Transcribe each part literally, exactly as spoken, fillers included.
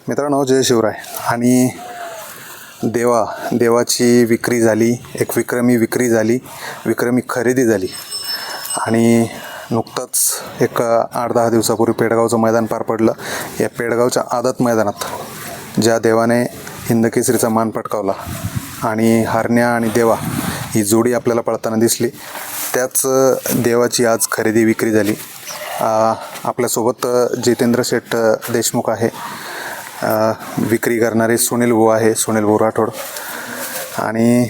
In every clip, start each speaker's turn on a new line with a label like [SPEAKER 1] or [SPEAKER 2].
[SPEAKER 1] मित्रांनो, जय शिवराय. आणि देवा देवाची विक्री झाली, एक विक्रमी विक्री झाली, विक्रमी खरेदी झाली. आणि नुकतंच एक आठ दहा दिवसापूर्वी पेडगावचं मैदान पार पडलं. या पेडगावच्या आदत मैदानात ज्या देवाने हिंदकेसरीचा मान पटकावला आणि हरण्या आणि देवा ही जोडी आपल्याला पळताना दिसली, त्याच देवाची आज खरेदी विक्री झाली. आपल्यासोबत जितेंद्र शेठ देशमुख आहे, विक्री करणारे सुनील भाऊ आहे, सुनील भाऊ राठोड. आणि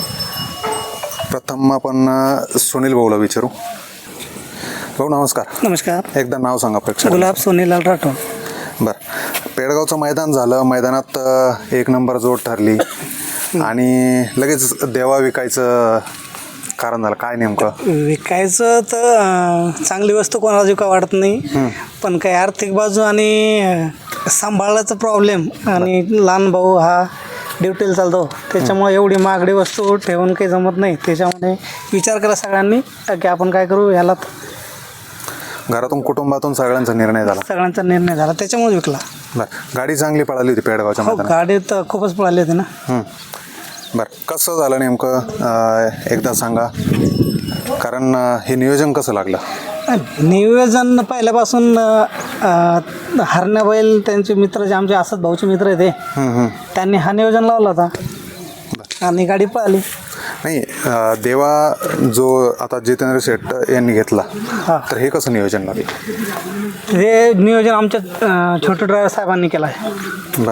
[SPEAKER 1] प्रथम आपण सुनील भाऊला विचारू. भाऊ नमस्कार.
[SPEAKER 2] नमस्कार.
[SPEAKER 1] एकदा नाव सांगा प्रेक्षक.
[SPEAKER 2] गुलाब सोनीलाल राठोड.
[SPEAKER 1] बरं, पेडगावचं मैदान झालं, मैदानात एक नंबर जोड ठरली आणि लगेच देवा विकायचं कारण झालं काय नेमकं?
[SPEAKER 2] विकायचं तर अं, चांगली वस्तू कोणाला विका वाटत नाही, पण काही आर्थिक बाजू आणि अं, सांभाळायचा प्रॉब्लेम आणि लहान भाऊ हा ड्युटीला चालतो, त्याच्यामुळे एवढी महागडी वस्तू ठेवून काही जमत नाही. त्याच्यामुळे विचार करा सगळ्यांनी की आपण काय करू. याला
[SPEAKER 1] घरातून कुटुंबातून सगळ्यांचा निर्णय झाला,
[SPEAKER 2] सगळ्यांचा निर्णय झाला, त्याच्यामुळे विकला.
[SPEAKER 1] बरं, गाडी चांगली पळाली होती पेडगावच्या
[SPEAKER 2] हो,
[SPEAKER 1] मैदानात.
[SPEAKER 2] गाडी तर खूपच पळाली होती ना.
[SPEAKER 1] बरं, कसं झालं नेमकं एकदा सांगा, कारण हे नियोजन कसं लागलं?
[SPEAKER 2] नियोजन पहिल्यापासून हरण्या बैल त्यांचे मित्र जे आमचे असत भाऊचे मित्र आहे ते, त्यांनी हा नियोजन लावला होता आणि गाडी पळाली.
[SPEAKER 1] नाही, देवा जो आता जितेंद्र शेठ यांनी घेतला, तर हे कसं नियोजन लागलं?
[SPEAKER 2] हे नियोजन आमच्या छोटे ड्रायव्हर साहेबांनी केलं आहे.
[SPEAKER 1] बरं,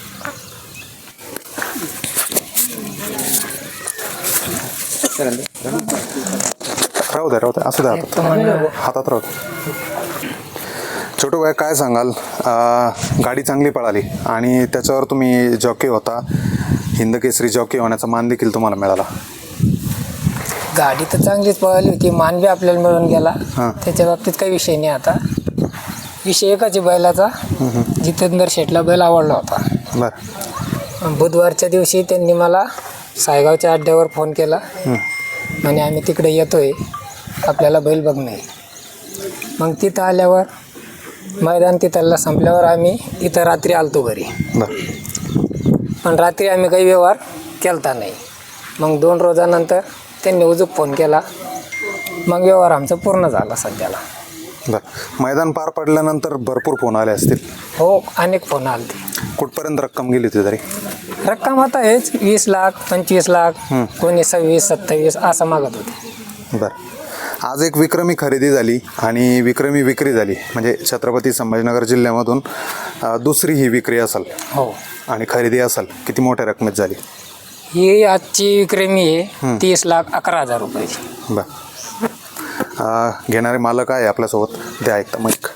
[SPEAKER 1] राहू द्या राहू द्या असं द्या, हातात हातात राहू द्या. छोटू भाई काय सांगाल? गाडी चांगली पळाली आणि त्याच्यावर तुम्ही जॉकी होता, हिंदकेसरी जॉकी होण्याचा मान देखील तुम्हाला मिळाला.
[SPEAKER 3] गाडी तर चांगलीच पळाली होती, मान बी आपल्याला मिळून गेला, त्याच्या बाबतीत काही विषय नाही. आता विषय एकाच बैलाचा, जितेंद्र शेठला बैल आवडला होता.
[SPEAKER 1] बरं,
[SPEAKER 3] बुधवारच्या दिवशी त्यांनी मला सायगावच्या अड्ड्यावर फोन केला आणि आम्ही तिकडे येतोय, आपल्याला बैल बघणे. मग तिथं आल्यावर मैदान तिथला संपल्यावर आम्ही इथं रात्री आलतो घरी.
[SPEAKER 1] बरं,
[SPEAKER 3] पण रात्री आम्ही काही व्यवहार केलता नाही. मग दोन रोजानंतर त्यांनी उजूक फोन केला, मग व्यवहार आमचा पूर्ण झाला सध्याला.
[SPEAKER 1] बरं, मैदान पार पडल्यानंतर भरपूर फोन आले असतील?
[SPEAKER 3] हो, अनेक फोन आले ते.
[SPEAKER 1] कुठपर्यंत रक्कम गेली होती तरी?
[SPEAKER 3] रक्कम आता हेच वीस लाख पंचवीस लाख कोणी सव्वीस सत्तावीस असं मागत होते.
[SPEAKER 1] बरं, आज एक विक्रमी खरेदी झाली आणि विक्रमी विक्री झाली, म्हणजे छत्रपती संभाजीनगर जिल्ह्यामधून दुसरी ही विक्री असेल.
[SPEAKER 3] हो,
[SPEAKER 1] आणि खरेदी असेल. किती मोठ्या रकमेत झाली
[SPEAKER 3] ही? आजची विक्रमी आहे तीस लाख अकरा हजार रुपयाची.
[SPEAKER 1] बरं, घेणारे मालक आहे आपल्यासोबत, द्या ऐकता माईक.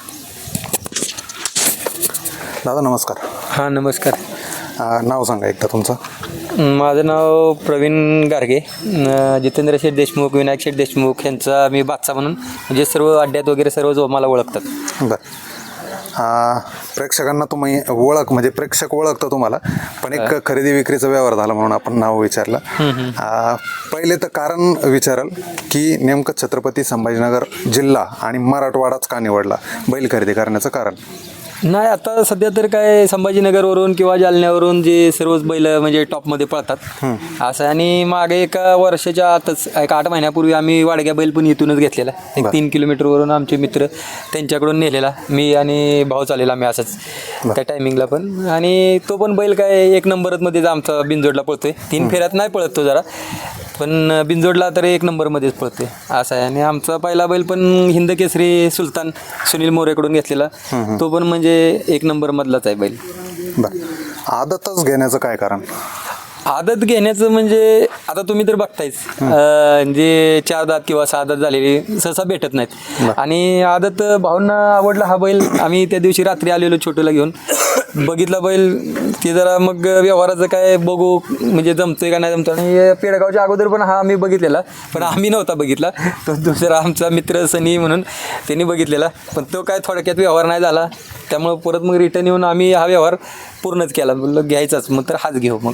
[SPEAKER 1] दादा नमस्कार.
[SPEAKER 4] हां नमस्कार.
[SPEAKER 1] नाव सांगा एकदा तुमचं.
[SPEAKER 4] माझं नाव प्रवीण गारगे. जितेंद्र शेठ देशमुख, विनायक शेठ देशमुख यांचा मी बादशा म्हणून, म्हणजे सर्व अड्ड्यात वगैरे सर्व जो मला ओळखतात.
[SPEAKER 1] बरं, प्रेक्षकांना तुम्ही ओळख, म्हणजे प्रेक्षक ओळखतं तुम्हाला, पण एक खरेदी विक्रीचा व्यवहार झाला म्हणून आपण नाव विचारलं. पहिले तर कारण विचाराल की नेमकं छत्रपती संभाजीनगर जिल्हा आणि मराठवाडाच का निवडला बैल खरेदी करण्याचं कारण?
[SPEAKER 4] नाही, आता सध्या तर काय संभाजीनगरवरून किंवा जालन्यावरून जे सर्वच बैल म्हणजे टॉपमध्ये पळतात असं. आणि मागे एका वर्षाच्या आतच एक आठ महिन्यापूर्वी आम्ही वाडग्या बैल पण इथूनच घेतलेला, एक तीन किलोमीटरवरून आमचे मित्र त्यांच्याकडून नेलेला, मी आणि भाऊ चालेला आम्ही असंच त्या टायमिंगला पण. आणि तो पण बैल काय एक नंबरमध्येच आमचा बिनजोडला पळतोय. तीन फेऱ्यात नाही पळत तो जरा, पण बिनजोडला तर एक नंबरमध्येच पळतोय असं आहे. आणि आमचा पहिला बैल पण हिंदकेसरी सुलतान सुनील मोरेकडून घेतलेला, तो पण म्हणजे एक नंबरमधलाच आहे बैल.
[SPEAKER 1] बरं, आदतच घेण्याचं काय कारण?
[SPEAKER 4] आदत घेण्याचं म्हणजे आता तुम्ही तर बघतायच, जे चार दात किंवा सहा दात झालेली सहसा भेटत नाहीत. आणि आदत भाऊंना आवडला हा बैल. आम्ही त्या दिवशी रात्री आलेलो छोटूला घेऊन, बघितला बैल, ते जरा मग व्यवहाराचं काय बघू म्हणजे जमतोय का नाही जमतो. आणि पेडगावच्या अगोदर पण हा आम्ही बघितलेला, पण आम्ही नव्हता बघितला, तो दुसरा आमचा मित्र सनी म्हणून त्यांनी बघितलेला, पण तो काय थोडक्यात व्यवहार नाही झाला. त्यामुळं परत मग रिटर्न येऊन आम्ही हा व्यवहार पूर्णच केला. बोललो घ्यायचाच, मग तर हाच घेऊ. मग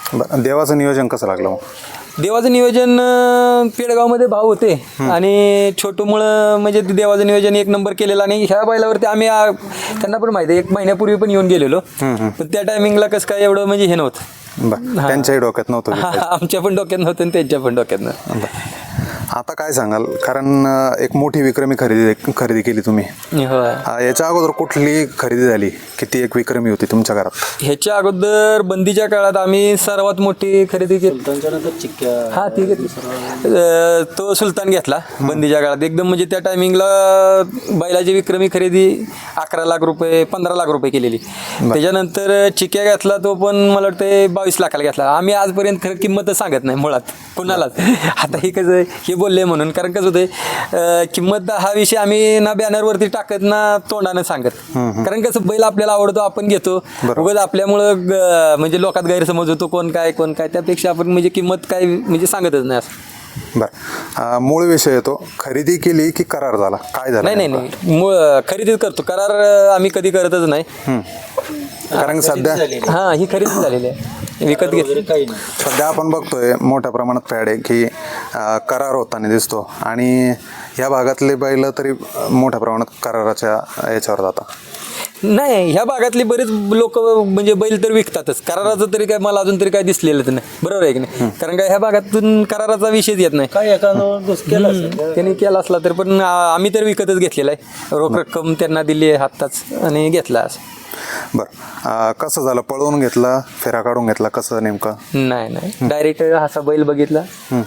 [SPEAKER 1] बरं देवाचं नियोजन कसं लागलं मग?
[SPEAKER 4] देवाचं नियोजन अं, पेडगावमध्ये भाव होते आणि छोटूमुळं म्हणजे ते देवाचं नियोजन एक नंबर केलेलं आणि ह्या बैलावरती आम्ही आ, त्यांना पण माहिती आहे एक महिन्यापूर्वी पण येऊन गेलेलो पण त्या टायमिंगला कसं काय एवढं म्हणजे हे नव्हतं.
[SPEAKER 1] बरं त्यांच्याही डोक्यात नव्हतं विकायचं.
[SPEAKER 4] आमच्या पण डोक्यात नव्हतं आणि त्यांच्या पण डोक्यात नव्हतं.
[SPEAKER 1] आता काय सांगाल, कारण अं, एक मोठी विक्रमी खरेदी खरेदी केली तुम्ही.
[SPEAKER 4] होय.
[SPEAKER 1] अं, याच्या अगोदर कुठली खरेदी झाली किती एक विक्रमी होती तुमच्या घरात?
[SPEAKER 4] ह्याच्या अगोदर बंदीच्या काळात आम्ही सर्वात मोठी खरेदी केली हा ठीक आहे अं, तो सुलतान घेतला बंदीच्या काळात एकदम म्हणजे त्या टायमिंगला बैलाची विक्रमी खरेदी अकरा लाख रुपये पंधरा लाख रुपये केलेली. त्याच्यानंतर चिक्या घेतला तो पण मला वाटतं बावीस लाखाला घेतला. आम्ही आजपर्यंत खरं किंमतच सांगत नाही मुळात कुणालाच. आता हे कसं हे बोलले म्हणून कारण कसं होतंय किंमत हा विषय आम्ही ना बॅनरवरती टाकत ना तोंडानं सांगत कारण कसं बैल आपल्याला आवडतो आपण घेतो उगाच आपल्यामुळं ग- म्हणजे लोकात गैरसमज होतो कोण काय कोण काय त्यापेक्षा आपण म्हणजे किंमत काय म्हणजे सांगतच नाही असं.
[SPEAKER 1] बरं अं, मूळ विषय येतो, खरेदी केली की करार झाला, काय झालं
[SPEAKER 4] नाही नाही
[SPEAKER 1] नेमकं?
[SPEAKER 4] नाही मूळ खरेदीच करतो करार अं, आम्ही कधी करतच नाही.
[SPEAKER 1] कारण सध्या
[SPEAKER 4] हा ही खरेदी झालेली आहे विकत घेतली
[SPEAKER 1] सध्या आपण बघतोय मोठ्या प्रमाणात फॅड आहे की अं, करार होताना दिसतो आणि ह्या भागातले बैल तरी अं, मोठ्या प्रमाणात कराराच्या याच्यावर जातात.
[SPEAKER 4] नाही ह्या भागातली बरेच लोक म्हणजे बैल तर विकतातच कराराचं तरी काय मला अजून तरी काय दिसलेलं नाही बरोबर आहे की नाही कारण काय ह्या भागातून कराराचा विषयच येत नाही काय त्यांनी केला असला तर पण आ- आम्ही तर विकतच घेतलेला आहे रोख रक्कम त्यांना दिली आहे हाताच आणि घेतला असं.
[SPEAKER 1] बरं अं, कसं झालं, पळवून घेतला फेरा काढून घेतला कसं नेमकं?
[SPEAKER 4] नाही नाही डायरेक्ट असा बैल बघितला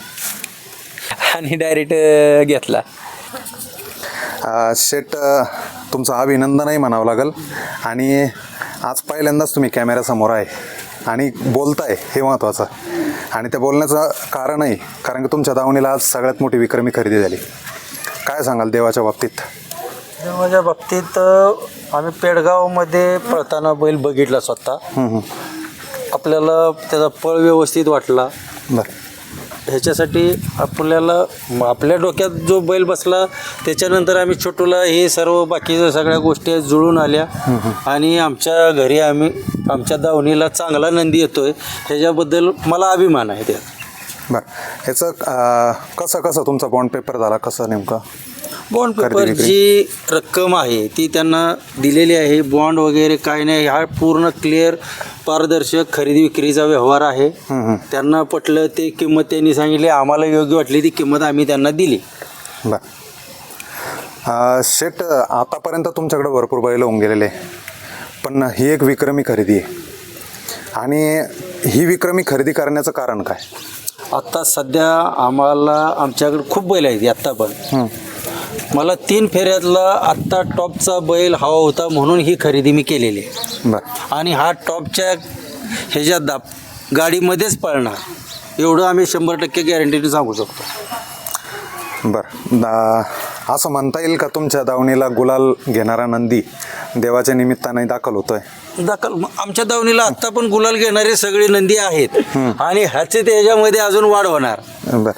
[SPEAKER 4] आणि डायरेक्ट घेतला.
[SPEAKER 1] अं, शेट अं, तुमचं अभिनंदनही म्हणावं लागेल आणि आज पहिल्यांदाच तुम्ही कॅमेऱ्यासमोर आहे आणि बोलताय हे महत्त्वाचं आणि त्या बोलण्याचं कारणही कारण की तुमच्या दावणीला आज सगळ्यात मोठी विक्रमी खरेदी झाली. काय सांगाल देवाच्या बाबतीत?
[SPEAKER 5] माझ्या बाबतीत अ, आम्ही पेडगावमध्ये पळताना बैल बघितला स्वतः. आपल्याला त्याचा पळ व्यवस्थित वाटला.
[SPEAKER 1] बरं
[SPEAKER 5] ह्याच्यासाठी आपल्याला म- आपल्या डोक्यात जो बैल बसला त्याच्यानंतर आम्ही छोटूला हे सर्व बाकीच्या सगळ्या गोष्टी जुळून आल्या आणि आमच्या घरी आम्ही आमच्या दावणीला चांगला नंदी येतोय ह्याच्याबद्दल मला अभिमान आहे त्यात.
[SPEAKER 1] बरं ह्याचं अं, कसं कसं तुमचा बॉन्ड पेपर झाला कसं नेमकं?
[SPEAKER 5] बॉन्ड पेपर
[SPEAKER 1] खरेदी विक्री.
[SPEAKER 5] जी रक्कम आहे ती त्यांना दिलेली आहे. बॉन्ड वगैरे काय नाही, हा पूर्ण क्लिअर पारदर्शक खरेदी विक्रीचा व्यवहार आहे. त्यांना पटलं ते किंमत त्यांनी सांगितली, आम्हाला योग्य वाटली ती किंमत आम्ही त्यांना दिली.
[SPEAKER 1] बरं अं, शेट आतापर्यंत तुमच्याकडे भरपूर बैल होऊन गेलेले पण ही एक विक्रमी खरेदी आहे आणि ही विक्रमी खरेदी करण्याचं कारण काय?
[SPEAKER 5] आत्ता सध्या आम्हाला आमच्याकडे खूप बैल आहेत आत्ता पण. मला तीन फेऱ्यातला आत्ता टॉपचा बैल हवा होता म्हणून ही खरेदी मी केलेली आहे
[SPEAKER 1] बरं
[SPEAKER 5] आणि हा टॉपच्या ह्याच्यात दाब गाडीमध्येच पळणार एवढं आम्ही शंभर टक्के गॅरंटीने सांगू शकतो.
[SPEAKER 1] बरं दा असं म्हणता येईल का तुमच्या दावणीला गुलाल घेणारा नंदी देवाच्या निमित्ताने दाखल होतोय?
[SPEAKER 5] दाखल म- आमच्या दावणीला आत्ता पण गुलाल घेणारे सगळे नंदी आहेत आणि ह्याचे त्याच्यामध्ये अजून वाढ होणार.
[SPEAKER 1] बरं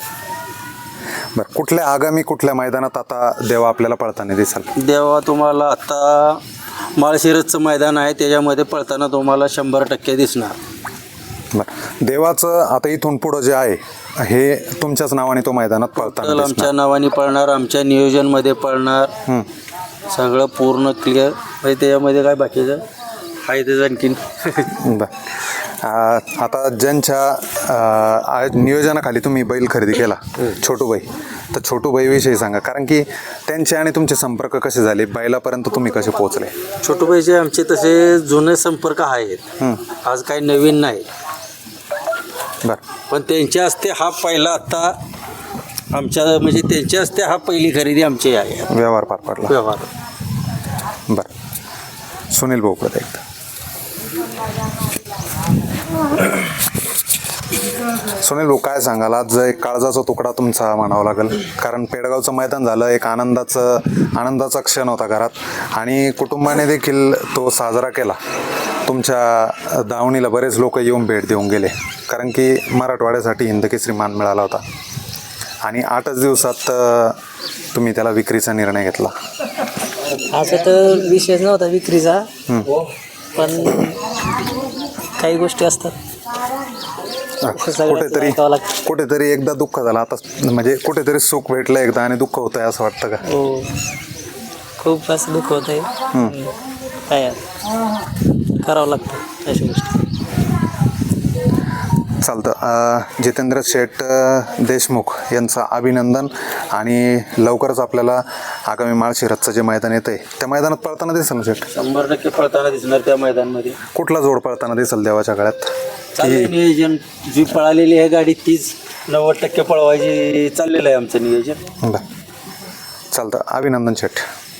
[SPEAKER 1] बरं कुठल्या आगामी कुठल्या मैदानात आता देवा आपल्याला पळताना दिसाल?
[SPEAKER 5] देवा तुम्हाला आत्ता माळशिरसचं मैदान आहे त्याच्यामध्ये पळताना तुम्हाला शंभर टक्के दिसणार.
[SPEAKER 1] बरं देवाचं आता इथून पुढं जे आहे हे तुमच्याच नावाने तो मैदानात पळताना
[SPEAKER 5] तर
[SPEAKER 1] दिसणार.
[SPEAKER 5] आमच्या नावाने पळणार, आमच्या नियोजनमध्ये पळणार, सगळं पूर्ण क्लिअर म्हणजे त्याच्यामध्ये काय बाकीचं आहे त्याचं आणखीन.
[SPEAKER 1] बरं अं, आता ज्यांच्या अं, आ- नियोजनाखाली तुम्ही बैल खरेदी केला छोटूबाई, तर छोटूबाईविषयी सांगा कारण की त्यांचे आणि तुमचे संपर्क कसे झाले, बैलापर्यंत तुम्ही कसे पोहोचले?
[SPEAKER 5] छोटूबाईचे आमचे तसे जुने संपर्क आहेत, आज काही नवीन नाही.
[SPEAKER 1] बरं
[SPEAKER 5] पण त्यांच्या हस्ते हा पहिला आत्ता आमच्या म्हणजे त्यांच्या हस्ते हा पहिली खरेदी आमची आहे
[SPEAKER 1] व्यवहार पार पडला.
[SPEAKER 5] व्यवहार.
[SPEAKER 1] बरं सुनील भाऊ परत एकदा. सुनील भाऊ काय सांगाल, आज एक काळजाचा तुकडा तुमचा म्हणावा लागेल कारण पेडगावचं मैदान झालं, एक आनंदाचं आनंदाचा क्षण होता घरात आणि कुटुंबाने देखील तो साजरा केला. तुमच्या दावणीला बरेच लोक येऊन भेट देऊन गेले कारण की मराठवाड्यासाठी हिंदकेसरी मान मिळाला होता आणि आठच दिवसात अ, तुम्ही त्याला विक्रीचा निर्णय घेतला.
[SPEAKER 2] असं तर विषयच नव्हता विक्रीचा
[SPEAKER 6] पण काही गोष्टी असतात. सगळ्याचं
[SPEAKER 1] कुठेतरी
[SPEAKER 6] ऐकावं लागतं.
[SPEAKER 1] कुठेतरी एकदा दुःख झालं आता, म्हणजे कुठेतरी सुख भेटलं एकदा आणि दुःख होतंय असं वाटतं का?
[SPEAKER 6] हो, खूप असं दुःख होत आहे. काय आता करावं लागतं अशा गोष्टी.
[SPEAKER 1] चालतं. अ, जितेंद्र शेठ अ, देशमुख यांचं अभिनंदन. आणि लवकरच आपल्याला आगामी माळशिरसचं जे मैदान येतं आहे त्या मैदानात पळताना दिसेल ना शेठ?
[SPEAKER 5] शंभर टक्के पळताना दिसणार त्या मैदानमध्ये.
[SPEAKER 1] कुठला जोड पळताना दिसेल देवाच्या काळात?
[SPEAKER 5] चाललंय नियोजन. जी पळालेली आहे गाडी तीच नव्वद टक्के पळवायची चाललेलं आहे आमचं नियोजन.
[SPEAKER 1] बरं, चालतं. अभिनंदन शेठ.